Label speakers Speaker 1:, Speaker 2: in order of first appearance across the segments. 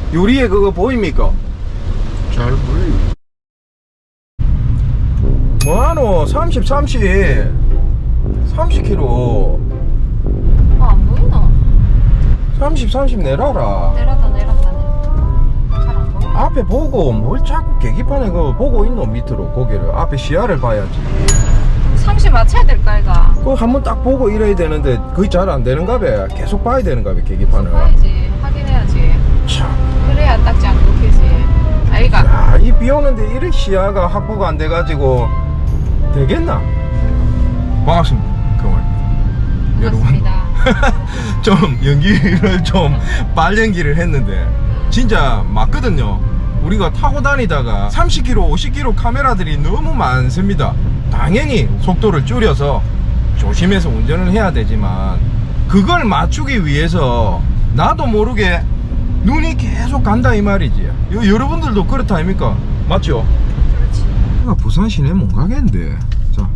Speaker 1: 요리에 그거 보입니까?
Speaker 2: 잘 보여요.
Speaker 1: 뭐하노? 30kg
Speaker 3: 안 보이나?
Speaker 1: 30 내라라.
Speaker 3: 내렸다네. 잘 안 보여.
Speaker 1: 앞에 보고 뭘 자꾸 계기판에 그거 보고 있노? 밑으로 고개를 앞에 시야를 봐야지.
Speaker 3: 30 맞춰야 될까 이가?
Speaker 1: 그거 한번 딱 보고 이래야 되는데 그게 잘 안 되는가 봐. 계속 봐야 되는가 봐 계기판을.
Speaker 3: 봐야지. 확인해야지.
Speaker 1: 참.
Speaker 3: 그래야 딱지 안 끊기지. 아이가.
Speaker 1: 야, 이 비 오는데 이렇게 시야가 확보가 안 돼가지고 되겠나? 반갑습니다. 그만.
Speaker 3: 반갑습니다.
Speaker 1: 좀 연기를 좀 발연기를 했는데 진짜 맞거든요. 우리가 타고 다니다가 30km, 50km 카메라들이 너무 많습니다. 당연히 속도를 줄여서 조심해서 운전을 해야 되지만 그걸 맞추기 위해서 나도 모르게 눈이 계속 간다 이 말이지. 여러분들도 그렇다 아닙니까? 맞죠?
Speaker 3: 그렇지.
Speaker 1: 내가 부산 시내 못 가겠는데. 자,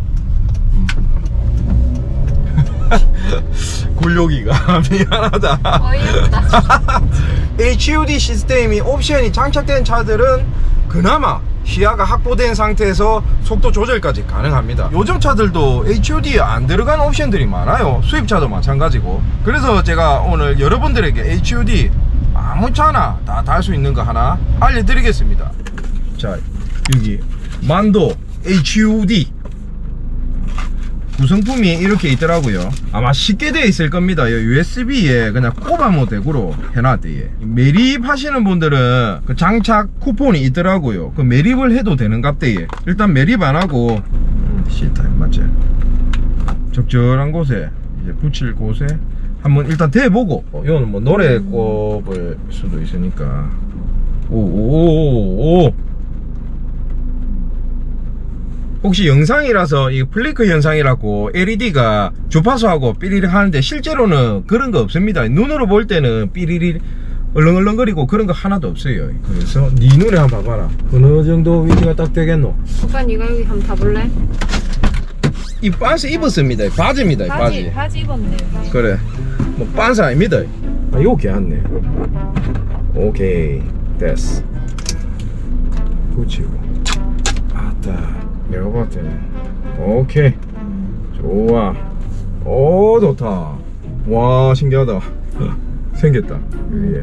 Speaker 1: 굴욕이가 미안하다.
Speaker 3: 어이없다.
Speaker 1: HUD 시스템이 옵션이 장착된 차들은 그나마 시야가 확보된 상태에서 속도 조절까지 가능합니다. 요즘 차들도 HUD에 안 들어간 옵션들이 많아요. 수입차도 마찬가지고. 그래서 제가 오늘 여러분들에게 HUD 아무 차나 다 달 수 있는 거 하나 알려드리겠습니다. 자, 여기 만도 HUD 구성품이 이렇게 있더라고요. 아마 쉽게 되어 있을 겁니다. USB에 그냥 꼽아모 대구로 해놨대요. 매립하시는 분들은 그 장착 쿠폰이 있더라고요. 그 매립을 해도 되는갑대요. 일단 매립 안 하고 C타입 맞지? 적절한 곳에 이제 붙일 곳에 한번 일단 대보고, 이거는 뭐 노래 꼽을 수도 있으니까. 오오오오. 혹시 영상이라서 이 플리커 현상이라고 LED가 주파수하고 삐리리 하는데 실제로는 그런 거 없습니다. 눈으로 볼 때는 삐리리 얼렁얼렁거리고 그런 거 하나도 없어요. 그래서 네 눈에 한번 봐봐라. 어느 정도 위치가 딱 되겠노?
Speaker 3: 오빠 니가 여기 한번 타볼래?
Speaker 1: 이 반스 입었습니다. 바지입니다. 바지.
Speaker 3: 바지 입었네.
Speaker 1: 그래. 뭐 반스 아닙니다. 아, 이거 괜찮네. 오케이. 됐어. 붙이고. 아따. 내가 봤을 때는 오케이. 좋아. 오, 좋다. 와, 신기하다. 생겼다. 위에.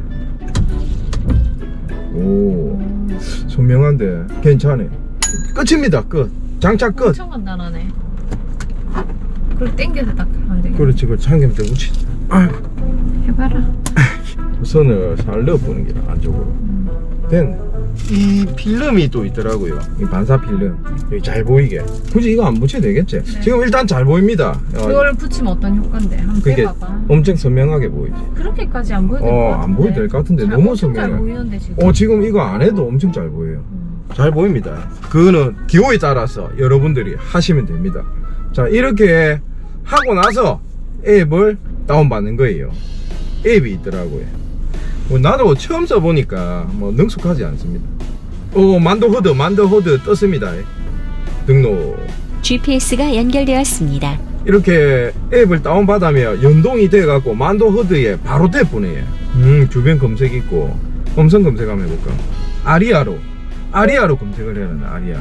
Speaker 1: 오, 선명한데 괜찮네. 끝입니다. 끝. 장착 끝.
Speaker 3: 엄청 간단하네. 그걸 땡겨서 딱 하면 되겠네.
Speaker 1: 그렇지. 그걸 참기름 때 묻히.
Speaker 3: 해봐라.
Speaker 1: 선을 살 넣어보는 게 안쪽으로. 됐네. 이 필름이 또 있더라고요. 이 반사 필름. 여기 잘 보이게. 굳이 이거 안 붙여도 되겠지?
Speaker 3: 네.
Speaker 1: 지금 일단 잘 보입니다.
Speaker 3: 그걸 붙이면 어떤 효과인데? 한번
Speaker 1: 그게
Speaker 3: 빼봐봐.
Speaker 1: 엄청 선명하게 보이지.
Speaker 3: 그렇게까지 안 보여도 될 것 같은데?
Speaker 1: 안 보여도 될 것 같은데
Speaker 3: 잘,
Speaker 1: 너무
Speaker 3: 엄청
Speaker 1: 선명해.
Speaker 3: 잘 보이는데 지금.
Speaker 1: 지금 이거 안 해도 엄청 잘 보여요. 잘 보입니다. 그거는 기호에 따라서 여러분들이 하시면 됩니다. 자, 이렇게 하고 나서 앱을 다운받는 거예요. 앱이 있더라고요. 뭐 나도 처음 써보니까 뭐 능숙하지 않습니다. 만도 허드 떴습니다. 등록.
Speaker 4: GPS가 연결되었습니다.
Speaker 1: 이렇게 앱을 다운받으면 연동이 돼갖고 만도 허드에 바로 떼보내요. 주변 검색 있고 음성 검색 한번 해볼까? 아리아로 검색을 해야 하나.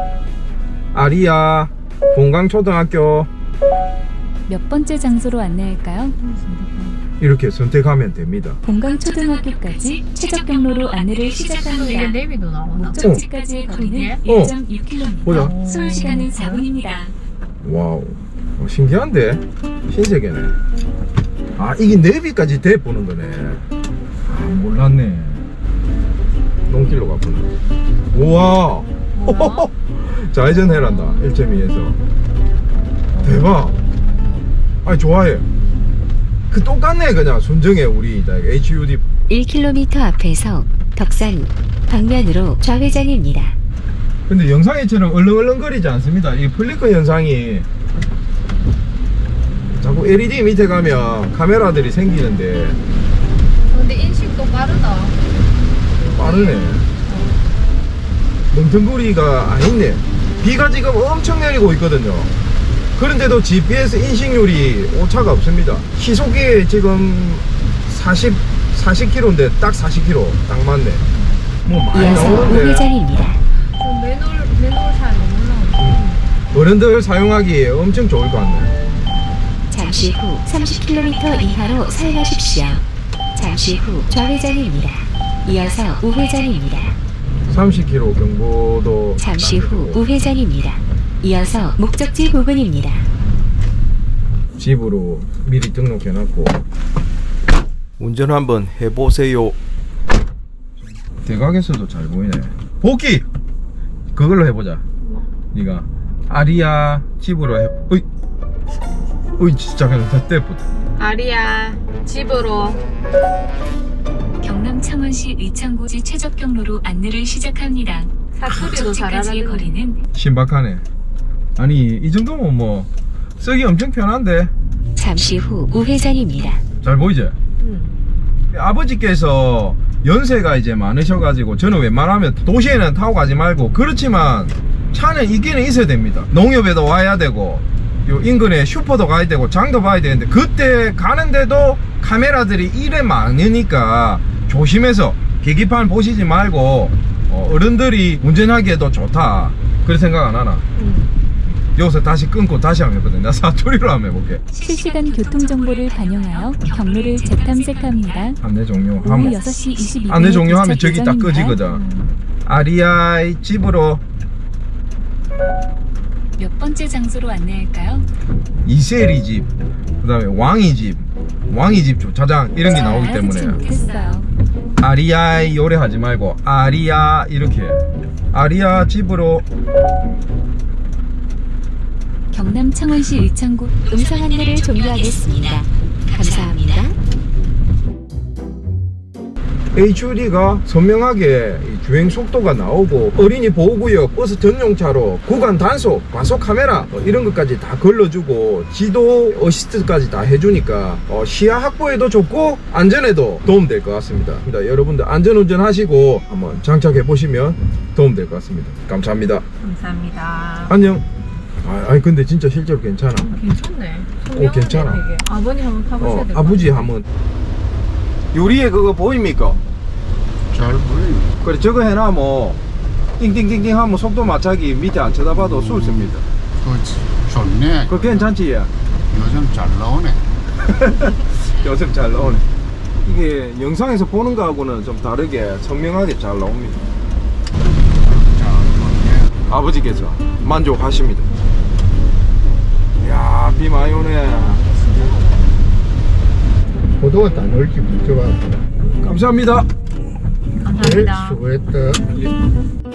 Speaker 1: 아리아 본강초등학교
Speaker 4: 몇 번째 장소로 안내할까요?
Speaker 1: 이렇게 선택하면 됩니다.
Speaker 4: 본강초등학교까지 최적 경로로 안내를
Speaker 3: 이게
Speaker 4: 시작합니다.
Speaker 3: 내비도 나오나?
Speaker 4: 목적지까지의 거리는
Speaker 3: 그게?
Speaker 4: 1.6km.
Speaker 1: 보자.
Speaker 4: 소요 시간은 4분입니다.
Speaker 1: 와우, 신기한데? 신세계네. 이게 내비까지 대보는 거네. 몰랐네. 농길로 가보네. 우와. 좌회전 해란다. 1.2에서. 대박. 좋아해. 그 똑같네. 그냥 순정해. 우리 HUD
Speaker 4: 1km 앞에서 덕산 방면으로 좌회전입니다.
Speaker 1: 근데 영상에처럼 얼렁얼렁거리지 않습니다. 이 플리커 현상이 자꾸 LED 밑에 가면 카메라들이 생기는데
Speaker 3: 근데 인식도 빠르다.
Speaker 1: 빠르네. 멍텅구리가 안 있네. 비가 지금 엄청 내리고 있거든요. 그런데도 GPS 인식률이 오차가 없습니다. 시속이 지금 40 40km인데 딱 40km 딱 맞네. 뭐 많이
Speaker 4: 이어서
Speaker 1: 나오는데
Speaker 4: 우회전입니다.
Speaker 3: 저 매놀 잘 너무 올라오네.
Speaker 1: 어른들 사용하기에 엄청 좋을 것 같네.
Speaker 4: 잠시 후 30km 이하로 사용하십시오. 잠시 후 좌회전입니다. 이어서 우회전입니다.
Speaker 1: 30km 경보도
Speaker 4: 잠시 후 우회전입니다. 이어서 목적지 부근입니다.
Speaker 1: 집으로 미리 등록해놨고 운전 한번 해보세요. 대각에서도 잘 보이네. 복귀! 그걸로 해보자. 네가 아리아 집으로 해. 어이 진짜 그냥 다 떼보다.
Speaker 3: 아리야 집으로.
Speaker 4: 경남 창원시 의창고지 최적 경로로 안내를 시작합니다.
Speaker 3: 사투리도 잘
Speaker 4: 목적지까지의
Speaker 3: 알아듣네.
Speaker 4: 거리는
Speaker 1: 신박하네. 아니 이 정도면 뭐 쓰기 엄청 편한데.
Speaker 4: 잠시 후 우회전입니다.
Speaker 1: 잘 보이지? 아버지께서 연세가 이제 많으셔가지고 저는 웬만하면 도시에는 타고 가지 말고, 그렇지만 차는 있기는 있어야 됩니다. 농협에도 와야 되고 요 인근에 슈퍼도 가야 되고 장도 봐야 되는데, 그때 가는데도 카메라들이 이래 많으니까 조심해서 계기판 보시지 말고 어른들이 운전하기에도 좋다 그런 생각 안 하나? 여기서 다시 끊고 다시 한번 해보거든. 나 사투리로 한번 해볼게.
Speaker 5: 실시간 교통정보를 반영하여 경로를 재탐색합니다.
Speaker 1: 안내 종료
Speaker 5: 오후
Speaker 1: 하면
Speaker 5: 6시 22분에
Speaker 1: 안내 종료하면 저기 딱 꺼지거든. 아리아이 집으로
Speaker 4: 몇 번째 장소로 안내할까요?
Speaker 1: 이세리 집, 그 다음에 왕이 집 주차장 이런 게 나오기 때문에
Speaker 5: 됐어요.
Speaker 1: 아리아이 요래 하지 말고 아리아 이렇게 아리아 집으로.
Speaker 5: 경남 창원시 의창구
Speaker 4: 음성 안내를 종료하겠습니다. 감사합니다.
Speaker 1: HUD가 선명하게 이 주행 속도가 나오고 어린이 보호구역, 버스 전용차로 구간 단속, 과속 카메라 이런 것까지 다 걸러주고 지도 어시스트까지 다 해주니까 시야 확보에도 좋고 안전에도 도움될 것 같습니다. 여러분들 안전운전 하시고 한번 장착해 보시면 도움될 것 같습니다. 감사합니다.
Speaker 3: 감사합니다.
Speaker 1: 안녕. 아니 근데 진짜 실제로 괜찮아.
Speaker 3: 괜찮네.
Speaker 1: 괜찮아.
Speaker 3: 되게. 아버님 한번 타보셔야 될 것
Speaker 1: 아버지 한번. 요리에 그거 보입니까?
Speaker 2: 잘 보여요.
Speaker 1: 그래 저거 해놔 띵띵띵띵 하면 속도 맞추기 밑에 안 쳐다봐도 쏠 씁니다.
Speaker 2: 그렇지. 좋네.
Speaker 1: 그거 괜찮지? 야?
Speaker 2: 요즘 잘 나오네.
Speaker 1: 요즘 잘 나오네. 이게 영상에서 보는 거하고는 좀 다르게 선명하게 잘 나옵니다.
Speaker 2: 잘 나오네.
Speaker 1: 아버지께서 만족하십니다. 이야 비 많이 오네.
Speaker 2: 포도가 다 넓게 붙어가.
Speaker 1: 감사합니다.
Speaker 3: 감사합니다.
Speaker 2: 수고했다.
Speaker 1: 예.